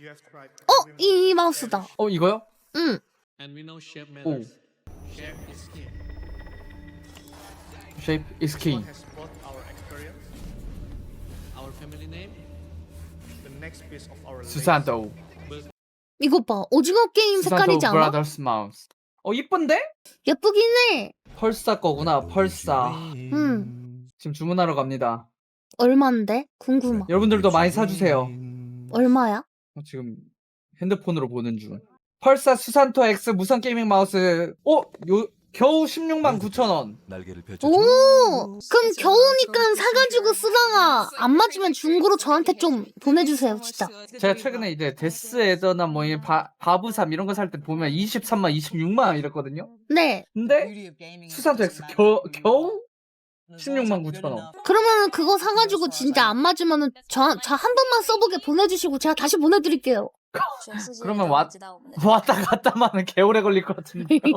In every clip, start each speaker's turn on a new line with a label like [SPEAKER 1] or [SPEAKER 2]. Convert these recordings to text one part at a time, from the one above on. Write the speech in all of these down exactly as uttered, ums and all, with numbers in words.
[SPEAKER 1] 어? 이, 이 마우스다.
[SPEAKER 2] 어 이거요?
[SPEAKER 1] 응.
[SPEAKER 2] 오. Shape is key. 수산도.
[SPEAKER 1] 이거 봐. 오징어 게임
[SPEAKER 2] 수산도
[SPEAKER 1] 색깔이지 않아?
[SPEAKER 2] 브라더스 마우스. 어 이쁜데?
[SPEAKER 1] 예쁘긴 해.
[SPEAKER 2] 펄사 거구나. 펄사.
[SPEAKER 1] 응.
[SPEAKER 2] 지금 주문하러 갑니다.
[SPEAKER 1] 얼만데? 궁금하.
[SPEAKER 2] 여러분들도 많이 사주세요.
[SPEAKER 1] 얼마야?
[SPEAKER 2] 어, 지금 핸드폰으로 보는 중. 펄사 수산토 X 무선 게이밍 마우스. 어? 요 겨우 십육만 구천 원.
[SPEAKER 1] 오! 그럼 겨우니까 사가지고 쓰다가 안 맞으면 중고로 저한테 좀 보내주세요, 진짜.
[SPEAKER 2] 제가 최근에 이제 데스 에더나 뭐 이 바브삼 이런 거 살 때 보면 이십삼만, 이십육만 원 이랬거든요.
[SPEAKER 1] 네.
[SPEAKER 2] 근데 수산토 X 겨, 겨우 십육만 구천 원.
[SPEAKER 1] 그러면은 그거 사가지고 진짜 안 맞으면은 저, 저 한 번만 써보게 보내주시고 제가 다시 보내드릴게요.
[SPEAKER 2] 그러면 왔, 왔다 갔다만은 개오래 걸릴 것 같은데.
[SPEAKER 1] 아,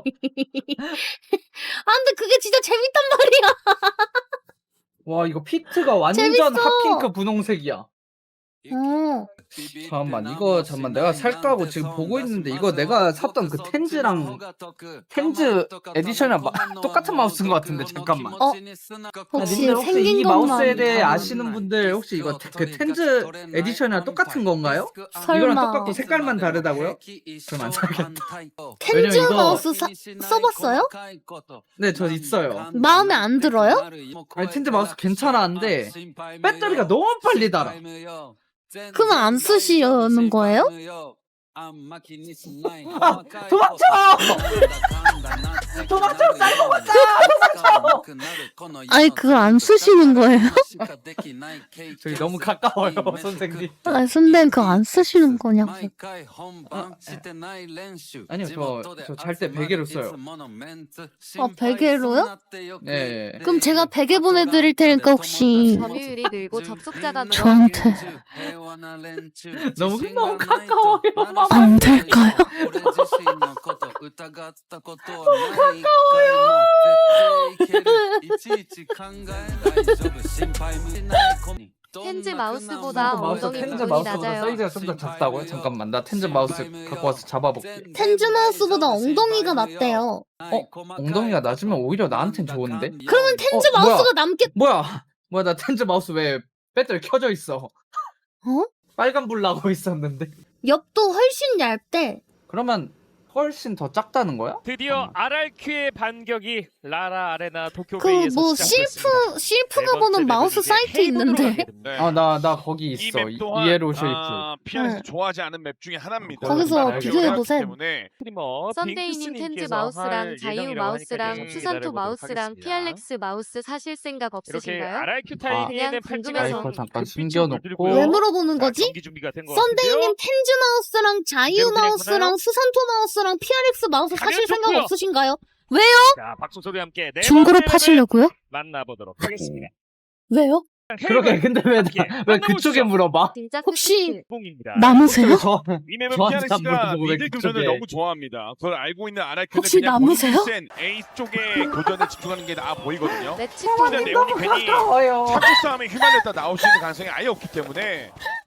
[SPEAKER 1] 근데 그게 진짜 재밌단 말이야.
[SPEAKER 2] 와, 이거 피트가 완전
[SPEAKER 1] 재밌어.
[SPEAKER 2] 핫핑크 분홍색이야.
[SPEAKER 1] 어.
[SPEAKER 2] 잠깐만, 이거 잠깐만 내가 살까 하고 지금 보고 있는데 이거 내가 샀던 그 텐즈랑 텐즈 에디션이랑 마, 똑같은 마우스인 것 같은데 잠깐만.
[SPEAKER 1] 어? 혹시
[SPEAKER 2] 님들 혹시
[SPEAKER 1] 생긴
[SPEAKER 2] 이
[SPEAKER 1] 것만
[SPEAKER 2] 마우스에 대해
[SPEAKER 1] 다르구나.
[SPEAKER 2] 아시는 분들 혹시 이거 그 텐즈 에디션이랑 똑같은 건가요?
[SPEAKER 1] 설마.
[SPEAKER 2] 이거랑 똑같고 색깔만 다르다고요? 그럼 안 사겠다.
[SPEAKER 1] 텐즈
[SPEAKER 2] 왜냐면 이거-
[SPEAKER 1] 마우스 사, 써봤어요?
[SPEAKER 2] 네, 저 있어요.
[SPEAKER 1] 마음에 안 들어요?
[SPEAKER 2] 아니 텐즈 마우스 괜찮았는데 배터리가 너무 빨리 닳아.
[SPEAKER 1] 그럼 안 쓰시려는 거예요?
[SPEAKER 2] 아, 도망쳐! 도망쳐! 쌀고 갔다! 도망쳐!
[SPEAKER 1] 아니 그걸 안 쓰시는 거예요?
[SPEAKER 2] 저기 너무 가까워요, 선생님.
[SPEAKER 1] 아니 선배는 그거 안 쓰시는 거냐고.
[SPEAKER 2] 아니요, 저 저 잘 때 베개로 써요.
[SPEAKER 1] 아 베개로요?
[SPEAKER 2] 네.
[SPEAKER 1] 그럼 제가 베개 보내드릴 테니까 혹시
[SPEAKER 3] 점유율이 늘고 접속자가
[SPEAKER 1] 저한테
[SPEAKER 2] 너무 너무 가까워요.
[SPEAKER 1] 안 될까요?
[SPEAKER 3] 텐즈 마우스보다
[SPEAKER 2] 마우스
[SPEAKER 3] 엉덩이
[SPEAKER 2] 텐즈
[SPEAKER 3] 부분이
[SPEAKER 2] 마우스보다
[SPEAKER 3] 낮아요.
[SPEAKER 2] 사이즈가 좀 더 작다고요? 잠깐만, 나 텐즈 마우스 갖고 와서 잡아볼게.
[SPEAKER 1] 텐즈 마우스보다 엉덩이가 낫대요.
[SPEAKER 2] 어? 엉덩이가 낮으면 오히려 나한텐 좋은데?
[SPEAKER 1] 그러면 텐즈
[SPEAKER 2] 어, 뭐야?
[SPEAKER 1] 마우스가 남겠...
[SPEAKER 2] 뭐야? 뭐야, 나 텐즈 마우스 왜 배터리 켜져 있어?
[SPEAKER 1] 어?
[SPEAKER 2] 빨간 불 나고 있었는데.
[SPEAKER 1] 옆도 훨씬 얇대.
[SPEAKER 2] 그러면 훨씬 더 작다는 거야?
[SPEAKER 4] 드디어 알알큐의 반격이 라라 아레나
[SPEAKER 1] 그
[SPEAKER 4] 도쿄베이에서
[SPEAKER 1] 뭐
[SPEAKER 4] 시작됐습니다.
[SPEAKER 1] 실프 실프가 보는 마우스 사이트 있는데
[SPEAKER 2] 아, 나 나 거기
[SPEAKER 4] 이
[SPEAKER 2] 있어.
[SPEAKER 4] 맵 또한
[SPEAKER 2] 이에로 쉐이프.
[SPEAKER 4] 아, 피아니스
[SPEAKER 1] 네.
[SPEAKER 4] 좋아하지 않은 맵 중에 하나입니다.
[SPEAKER 1] 거기서
[SPEAKER 4] 아,
[SPEAKER 1] 비교해보셈.
[SPEAKER 4] 때문에 스트리머
[SPEAKER 3] 썬데이님 텐즈
[SPEAKER 4] 빙크스님께서
[SPEAKER 3] 마우스랑
[SPEAKER 4] 할
[SPEAKER 3] 자유
[SPEAKER 4] 예정이라고
[SPEAKER 3] 마우스랑
[SPEAKER 4] 하니까 좀
[SPEAKER 3] 수산토
[SPEAKER 4] 기다려보도록
[SPEAKER 3] 마우스랑
[SPEAKER 4] 하겠습니다.
[SPEAKER 3] 피알렉스 마우스 사실 생각
[SPEAKER 4] 이렇게
[SPEAKER 3] 없으신가요?
[SPEAKER 4] 알알큐
[SPEAKER 3] 그냥
[SPEAKER 4] 타이밍에는
[SPEAKER 3] 궁금해서.
[SPEAKER 2] 아이고, 잠깐
[SPEAKER 4] 그
[SPEAKER 2] 숨겨놓고.
[SPEAKER 1] 왜 물어보는 거지?
[SPEAKER 4] 경기 준비가 된 것 같은데요.
[SPEAKER 1] 썬데이님 텐즈 마우스랑 자유
[SPEAKER 4] 그대로
[SPEAKER 1] 마우스랑
[SPEAKER 4] 진행하나요?
[SPEAKER 1] 수산토 마우스랑 피알엑스 마우스
[SPEAKER 4] 가면
[SPEAKER 1] 사실 생각
[SPEAKER 4] 좋고요.
[SPEAKER 1] 없으신가요? 왜요?
[SPEAKER 4] 자, 박수 소리와 함께 네
[SPEAKER 1] 중고로
[SPEAKER 4] 번째 맵을
[SPEAKER 1] 파시려고요?
[SPEAKER 4] 만나보도록 하겠습니다.
[SPEAKER 1] 왜요?
[SPEAKER 2] 그러게, 근데 왜, 나-
[SPEAKER 4] 함께
[SPEAKER 2] 왜 그쪽에
[SPEAKER 4] 만나보시죠.
[SPEAKER 2] 물어봐?
[SPEAKER 3] 진짜
[SPEAKER 1] 혹시
[SPEAKER 4] 뽕입니다.
[SPEAKER 1] 남으세요?
[SPEAKER 2] 저,
[SPEAKER 4] 이 맵은
[SPEAKER 2] 저한테
[SPEAKER 4] 피아니스가
[SPEAKER 2] 안 물어보고 왜
[SPEAKER 4] 미드
[SPEAKER 2] 그쪽에.
[SPEAKER 4] 교전을 너무 좋아합니다. 그걸 알고 있는 아라이크는
[SPEAKER 1] 혹시
[SPEAKER 4] 그냥
[SPEAKER 1] 남으세요?
[SPEAKER 4] 본인이 센 A 쪽에 교전에 집중하는 게 나아 보이거든요.
[SPEAKER 3] 매치
[SPEAKER 4] 근데
[SPEAKER 3] 포인트
[SPEAKER 4] 네온이 괜히
[SPEAKER 2] 가까워요.
[SPEAKER 4] 자꾸 싸움에 휘말렸다 나올 수 있는 가능성이 아예 없기 때문에